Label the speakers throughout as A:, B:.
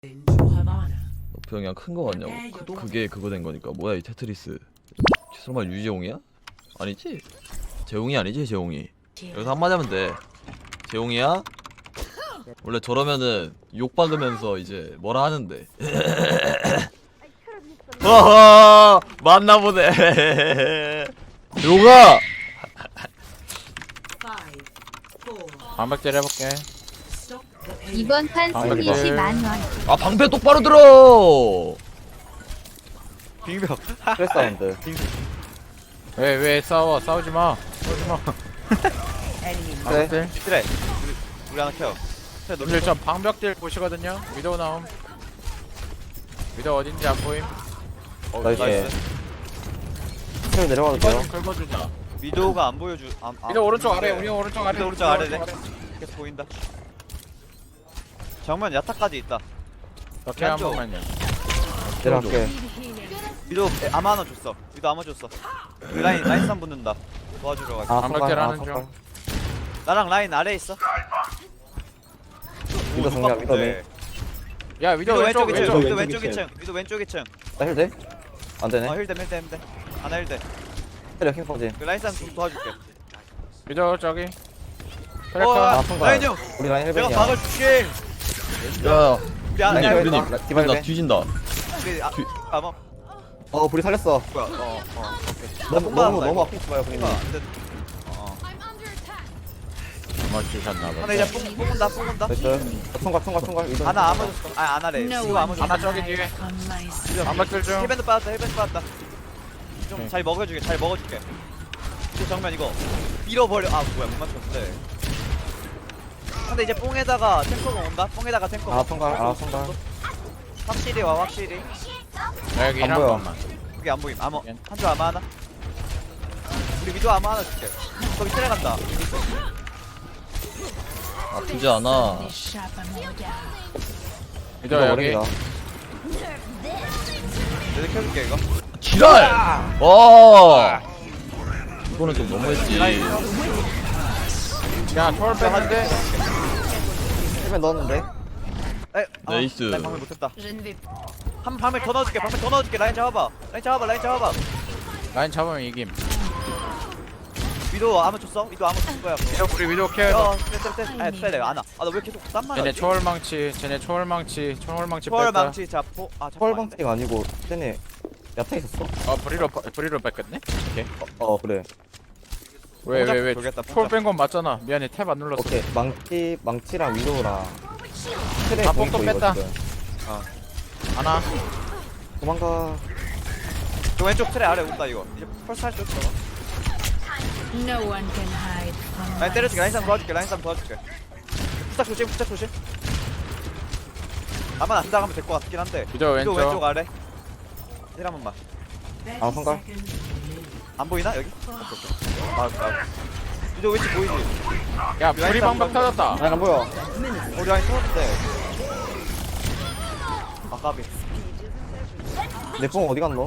A: 너프형이 큰 거 같냐고. 그게 그거 된 거니까. 뭐야 이 테트리스. 설마 유재홍이야? 아니지? 재홍이 아니지 재홍이. 여기서 한마디 하면 돼. 재홍이야? 원래 저러면은 욕 박으면서 이제 뭐라 하는데. 허허 맞나보네. 요가
B: 방박질 해볼게.
C: 이번 판 승리 10만원.
A: 아 방패 똑바로 들어.
D: 빙벽
E: 스트레스 사운드.
B: 왜 싸워? 싸우지마. 싸우지마. 방박질.
D: 그래 우리 하나 켜 그래 너
B: 오늘 전 방벽질 보시거든요. 위도우 나옴. 위도우 어딘지 안 보임.
E: 나이스.
D: 나이스
E: 스트레스 내려가도
B: 이거
E: 돼요?
B: 좀 긁어주자.
D: 위도우가 안 보여주
B: 위도우 오른쪽 아래. 우리 오른쪽 아래.
D: 위도우 오른쪽 아래네 계속 보인다 정면 야타까지 있다
B: 오케이 한
D: 왼쪽.
B: 번만요.
E: 내려갈게.
D: 위도우 아마 하나 줬어 위도우 아마 줬어 우리 라인 쌈 붙는다 도와주러 갈게
E: 아,
B: 방박질
E: 선발,
B: 하는 중.
E: 선발.
D: 나랑 라인 아래에 있어
E: 위도 정리야, 위도 네.
B: 야 위도우
D: 위도우
B: 왼쪽
D: 왼쪽 2층
B: 왼쪽.
D: 위도우
E: 왼쪽
D: 왼쪽 2층 위도우 왼쪽 2층
E: 나 힐 돼? 안 되네.
D: 힐댐 하나 힐댐
E: 때려, 킹 퍼지.
D: 그 라인 쌈 도와줄게
B: 위도우 저기.
D: 어
B: 트래커.
E: 아, 선발.
D: 라인 형
E: 우리 라인
D: 내가
E: 헬벤이야.
D: 박아줄게
A: 야
D: 우리 아나
A: 유님
E: 야,
A: 유님.
E: 야, 디바
A: 나
E: 헬벤.
A: 뒤진다.
D: 우리 아마
E: 어, 불이 살렸어.
D: 뭐야
E: 너무 아프지 마요, 분이.
B: 뭐 주셨나
D: 하나
B: 봐.
D: 이제 뽕온다
E: 나이스. 총각. 위도.
D: 하나 아무 줬어 아 안하래 이거 아무 줬어
B: 하나 저기 뒤에. 방박질 중.
D: 힐밴드 빠졌다 좀 잘 먹어줄게 이제 정면 이거 밀어버려 아 뭐야 못 맞췄는데 근데 이제 뽕에다가 탱커가 온다 뽕에다가 탱커
E: 아, 총각.
D: 확실히 와 확실히
B: 여기
E: 안
B: 한
E: 보여.
B: 번만.
D: 그게 안 보임 한줄 아마 하나 우리 위도 아마 하나 줄게 거기 트레 간다
A: 아프지 않아.
B: 위도우 여기.
E: 어린이다.
D: 내가 켜줄게 이거
A: 지랄. 와. 이거는 좀 너무했지.
B: 야 초월 뺐는데.
E: 헬벤 넣었는데.
A: 나이스.
D: 라인 방금 못했다 한 방을 더 넣어줄게 라인 잡아봐
B: 라인 잡으면 이김.
D: 위도 아마 줬어 위도 아마 줄 거야
B: 우리 위도우 케어.
D: 트레 내가 안와 아나 왜 계속 땀만
B: 쟤네
D: 나지?
B: 초월망치
D: 초월
B: 뺐다.
D: 망치 자포 아
E: 펄방티가 아니고, 쟤네 야타 있었어?
B: 브리로 뺐겠네? 오케이.
E: 그래.
B: 왜
D: 돌겠다,
B: 초월 뺀 건 맞잖아. 미안해 탭 안 눌렀어.
E: 오케이. 망치랑 위도우랑. 트레
B: 아,
E: 보이고
B: 뽕도
E: 이거
B: 뺐다.
E: 지금.
B: 하나.
E: 도망가.
D: 저 왼쪽 트레 아래 온다 이거 이제 펄스 할수 없어 라인 때려줄게 라인 싸움 도와줄게 부탁 조심 아마 안 당하면 될 것 같긴 한데
B: 위도우
D: 위도
B: 왼쪽.
D: 왼쪽 아래 힐 한 번만
E: 아, 선발.
D: 안 보이나 여기? 오케이. 위도 왼쪽 보이지?
B: 야 불이 방박 터졌다.
E: 아, 안 보여.
D: 우리 라인 터졌는데 아 까비
E: 내 뽕 어디 갔노?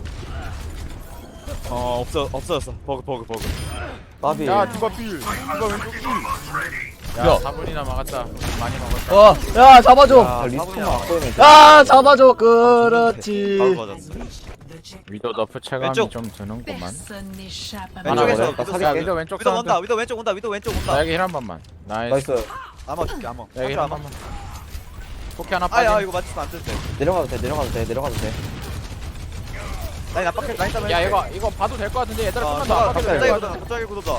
D: 없어졌어 버그
E: 나비.
B: 야 디바 필. 디바 왼쪽 필. 야
A: 야.
B: 4분이나 막았다. 많이 먹었다.
A: 와. 야 잡아줘.
E: 아, 리스폰만 안 보이면 돼.
A: 야 잡아줘.
D: 바로
A: 그렇지.
D: 맞았어
B: 위도 너프 체감이
D: 왼쪽.
B: 좀 드는구만.
D: 왼쪽에서
E: 나
D: 위도
E: 사줄게.
B: 야 위도 왼쪽
D: 위도
B: 사운드.
D: 온다 위도 왼쪽 온다
B: 나 여기 힐 한 번만. 나이스.
E: 나이스.
D: 아마 줄게 아마
B: 여기 힐
D: 한줄
B: 한
D: 아마
B: 번만. 포켓 하나 빠짐.
D: 아야 이거 맞추면 안 되는데
E: 내려가도 돼.
D: 라인 압박해 라인 싸움
B: 야
D: 해줄게.
B: 이거 봐도 될 것 같은데 얘들아
D: 어,
B: 좀만 더 압박해도
D: 갑자기
B: 될것
D: 굳어다
B: 같은데.
D: 갑자기 굳어다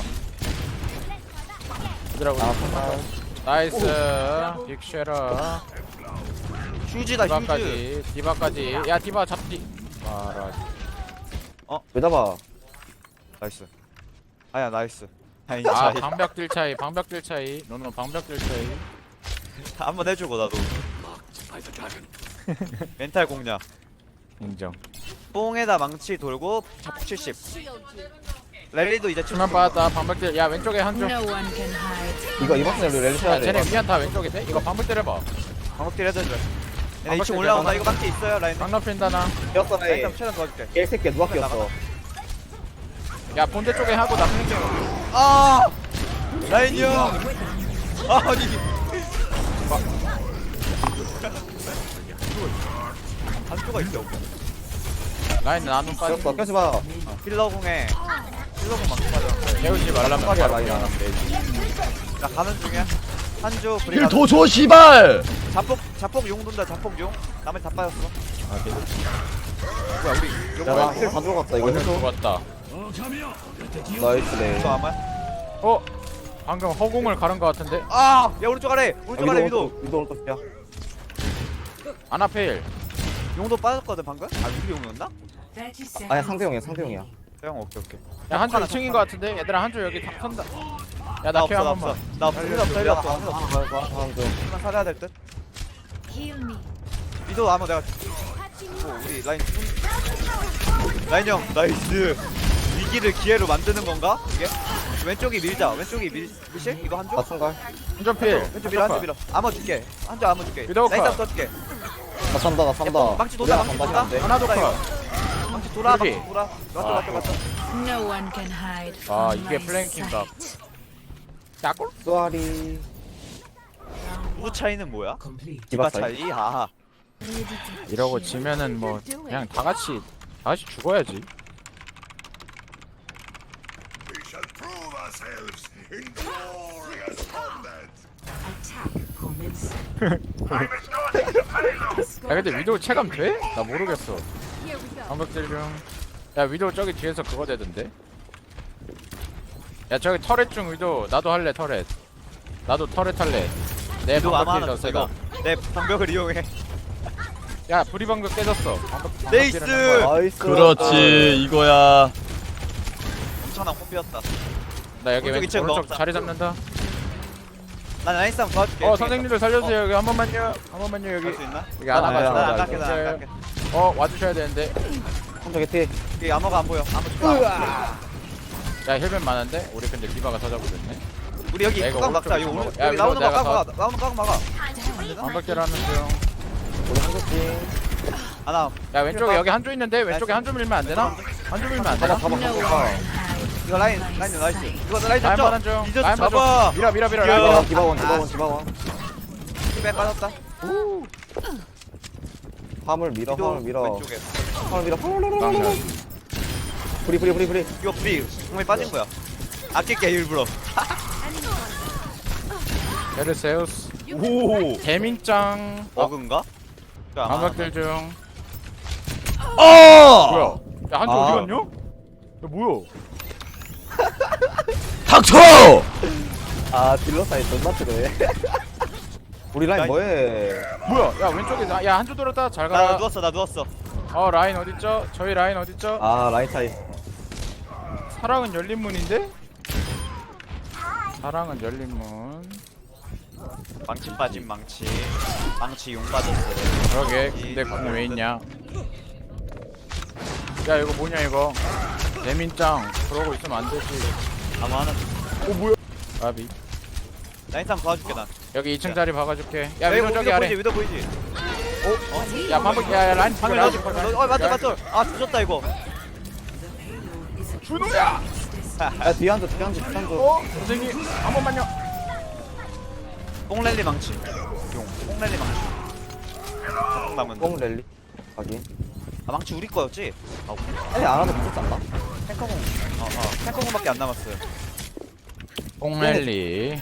B: 얘들아
E: 아, 선발.
B: 나이스. 빅쉐라.
D: 휴지다 휴지
B: 디바까지. 야 디바 잡디. 와라.
E: 왜 잡아?
D: 나이스 아야 나이스 아니
B: 아
D: 자
B: 방벽들 차이. 너는 방벽들 차이.
D: 한번 해주고 나도 멘탈 공략
B: 인정.
D: 뽕에다 망치 돌고 자폭 70 랠리도 이제
B: 수면 빠졌다. 방벽들. 야 왼쪽에 한 줄.
E: 이거 이번 턴에 우리 랠리 쳐야
B: 야
E: 돼.
B: 쟤네 위안 다 왼쪽에 돼? 이거 방벽들 해봐.
D: 방법딜 해줘줘 얘네
B: 방법딜
D: 2층 올라온다
B: 해봐.
D: 이거 망치 있어요 라인
B: 강남 핀다나.
E: 꼈어,
D: 라인 좀 최대한 도와줄게
E: 개새끼야, 누가 꼈어?
B: 야 본대 쪽에 하고 나쁜 쪽.
D: 아 라인이 형 아니 한조가 있어.
B: 라인 나눔 빠지.
E: 꼈어 껴지마.
D: 힐러궁에 힐러궁 막고 빠져.
B: 깨우지 말라면
E: 깜빡이야,
B: 바로
E: 라인.
B: 깨우면 되지.
D: 나 가는 중이야. 한조 브리.
A: 힐 더 줘 씨발.
D: 자폭 용 돈다. 자폭 용. 나머지 다 빠졌어.
B: 아 걔도
D: 뭐야 우리 용
E: 야나 힐 다 들어갔다 이거
B: 오늘
E: 해줘.
B: 죽었다.
E: 나이스네.
D: 또 아마.
B: 어? 방금 허공을 가른 것 같은데?
D: 아! 야 오른쪽 아래. 오른쪽 아래 위도.
E: 위도 오른쪽 야.
B: 아나페일.
D: 용도 빠졌거든 방금? 아 우리 용이었나?
E: 아니야 상대형이야 상대형이야.
D: 형 오케이 오케이.
B: 야 한조
D: 하나
B: 2층인 것 같은데? 얘들아 한조 여기 다 선다.
D: 나
B: 야 나 케어
D: 없어 나
B: 한
D: 없어.
B: 번만.
D: 나 없어. 힐 없어 힐 없어. 힐 없어.
E: 한조.
D: 힐만 살아야 될 듯. 위도 아마 내가 우리 라인 형 나이스. 위기를 기회로 만드는 건가? 이게? 왼쪽이 밀자. 왼쪽이 밀실? 이거 한쪽?
E: 나 총갈.
B: 한조 필.
D: 왼쪽 밀어 한쪽 밀어. 암호 줄게. 한쪽 암호 줄게.
B: 위도우
D: 라인
B: 컷.
D: 싸움 떠줄게.
E: 나 산다 나 산다.
D: 망치 돌아 망치 돌아.
B: 하나 더 컷.
D: 망치 돌아
B: 여기.
D: 망치 돌아. 맞다 맞다 맞다.
F: No one can hide.
B: 아
F: from
B: 이게
F: my
B: 플랭킹각.
F: sight.
B: 야골?
E: 쏘아리.
D: 누구 차이는 뭐야?
E: 디바
D: 디바
E: 차이.
D: 차이? 아하.
B: 이러고 지면은 뭐 그냥 다 같이 죽어야지. 야 근데 위도우 체감 돼? 나 모르겠어. 방벽질 중. 야 위도우 저기 뒤에서 그거 되던데. 야 저기 터렛 중 위도우. 나도 할래 터렛. 나도 터렛 할래. 내
D: 위도우 아마
B: 방벽질 더
D: 하나
B: 세다.
D: 이거. 내 방벽을 이용해.
B: 야 불이 방벽 깨졌어. 방벽
D: 네이스!
B: 방벽질은 한 거야.
E: 나이스.
A: 그렇지 이거야.
D: 엄청난 콤비였다.
B: 나 여기
D: 오른쪽 이층
B: 오른쪽
D: 먹었다.
B: 자리 잡는다.
D: 난 라인 싸움 도와줄게.
B: 선생님들 살려주세요. 여기 한 번만요. 한 번만요 여기.
D: 할수 있나?
B: 여기 하나가
E: 아,
B: 좋아.
D: 나안 갈게 나안 갈게.
B: 와주셔야 되는데.
E: 한조 개티.
D: 여기 암호가 안 보여. 암호 줄게.
B: 야 힐벤 많은데? 우리 근데 디바가 찾아보겠네.
D: 우리 여기
B: 야, 이거
D: 꽉 막자. 이거
B: 오른쪽
D: 오른쪽.
B: 야,
D: 여기
B: 이거
D: 나오는 거
B: 내가
D: 꽉 막아. 나오는 거 꽉 막아.
B: 방벽질 하는 중.
E: 우리 한조지.
D: 하나.
B: 야 왼쪽에 여기 한조 있는데 왼쪽에 한조 밀면 안 되나? 한조 밀면 안 되나?
E: 잡아
F: No one
E: 잡아.
F: can hide.
D: 이거 라인 나이스. 이거 라인
B: 라인
D: 잡죠.
B: 마는 중.
D: 이제
B: 라인 마는
D: 잡아.
B: 중. 밀어
D: 야.
B: 라인 밀어.
E: 디바원.
D: 힐백 빠졌다.
E: 화물 밀어
D: 위도
E: 화물 밀어.
D: 왼쪽에.
E: 화물 밀어.
B: 막면.
E: 브리.
D: 이거 프리 공에 빠진 거야. 아낄게 일부러.
B: 베르세우스.
D: 오.
B: 개민짱.
D: 버그인가?
B: 방벽질 중.
A: 어!
B: 뭐야? 야 한조
E: 아.
B: 어디 갔냐? 야 뭐야?
A: 닥쳐!
E: 아 딜러 사이 존나 트네. 우리 라인
D: 라인.
E: 뭐해?
B: 뭐야? 야 왼쪽에 야 한조 돌았다. 잘
D: 나
B: 가라.
D: 누웠어 나 누웠어.
B: 라인 어딨죠? 저희 라인 어딨죠?
E: 아 라인 차이.
B: 사랑은 열린 문인데? 사랑은 열린 문.
D: 망치 빠진 망치. 망치 용 빠졌어.
B: 그러게 근데 궁 왜 있냐? 야 이거 뭐냐 이거? 대민짱 그러고 있으면 안 되지.
D: 아마 하나.
B: 아비
D: 라인 싸움 도와줄게 난.
B: 여기 2층 자리 박아줄게. 야
D: 여기
B: 위로 저기 아래.
D: 위도 보이지?
B: 야 방금 야 라인
D: 방금
B: 라인
D: 넣어줄
B: 라인
D: 거야. 맞다 맞다. 아 죽었다 이거.
B: 준호야.
E: 야 뒤에 한조.
B: 선생님 한 번만요.
D: 뽕랠리 망치. 용. 뽕랠리 망치. 자폭 남은.
E: 뽕 랠리. 확인.
D: 아 망치 우리 거였지? 아
E: 아니 안 하면 무섭지 않나?
D: 탱커공. 탱커공밖에 안 남았어요.
B: 뽕랠리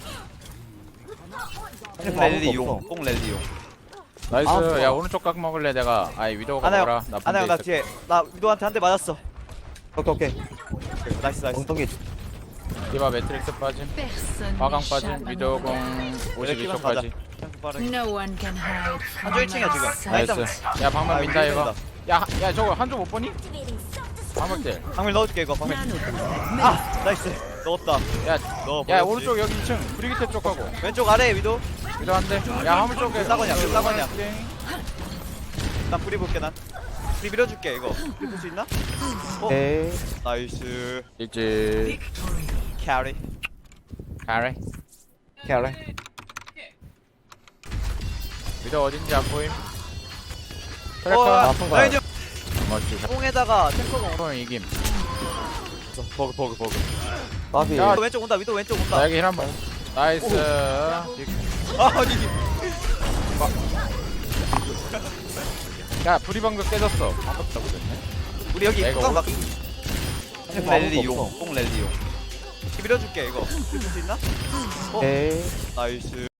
D: 뽕랠리 용. 뽕랠리 용.
B: 나이스.
E: 좋아.
B: 야 오른쪽 각 먹을래 내가. 아이 위도우가
D: 하나
B: 먹어라.
D: 형.
B: 나
D: 하나 형나
B: 분대
D: 뒤에. 나 위도한테 한 대 맞았어.
E: 오케이.
D: 나이스.
E: 엉덩이.
B: 디바 매트릭스 빠짐.
F: Personne
B: 화강
F: n'échappe
B: 빠짐.
F: à mon
B: 위도우공
D: 이렇게만 가자.
B: 52초까지.
D: 탱크 빠르게.
F: No one can hide from
D: 한조 1층이야 지금.
F: my
D: 라인
F: sight.
D: 싸움.
B: 나이스. 야 방금
D: 아,
B: 민다
D: 우리
B: 이거.
D: 민다.
B: 야 저거 한조 못 보니? 방금들.
D: 방밀 넣어줄게 이거 방밀. 아 나이스. 넣었다.
B: 야
D: 넣어.
B: 야 오른쪽 여기 2층 브리기테 쪽 가고
D: 왼쪽 아래 위도.
B: 위도 한대. 야 화물 쪽에
D: 싸거냐, 싸거냐. 난 뿌리 볼게 난. 뿌리 밀어줄게 이거. 뿌리 볼수 있나?
E: 오케이.
D: 나이스.
B: 이제
D: 캐리.
B: 가래.
E: 캐래.
B: 위도 어딘지 안 보임.
D: 어,
B: 트래커
E: 통과요.
D: 라인 좀.
B: 멋지.
D: 뽕에다가 탱커공.
B: 형 이김.
D: 버그.
E: 나비.
B: 야,
D: 위도 왼쪽 온다. 위도 왼쪽 온다.
B: 나 여기 힐 한번. 나이스.
D: 아 아니.
B: 야 불이 방금 깨졌어. 방금 잡으셨네.
D: 우리 여기
B: 내가
D: 뚜껑
B: 올라-
D: 막 뽕 랠리용 뽕 랠리용 밀어줄게 이거 쓸 수 있나?
E: 오케이.
D: 나이스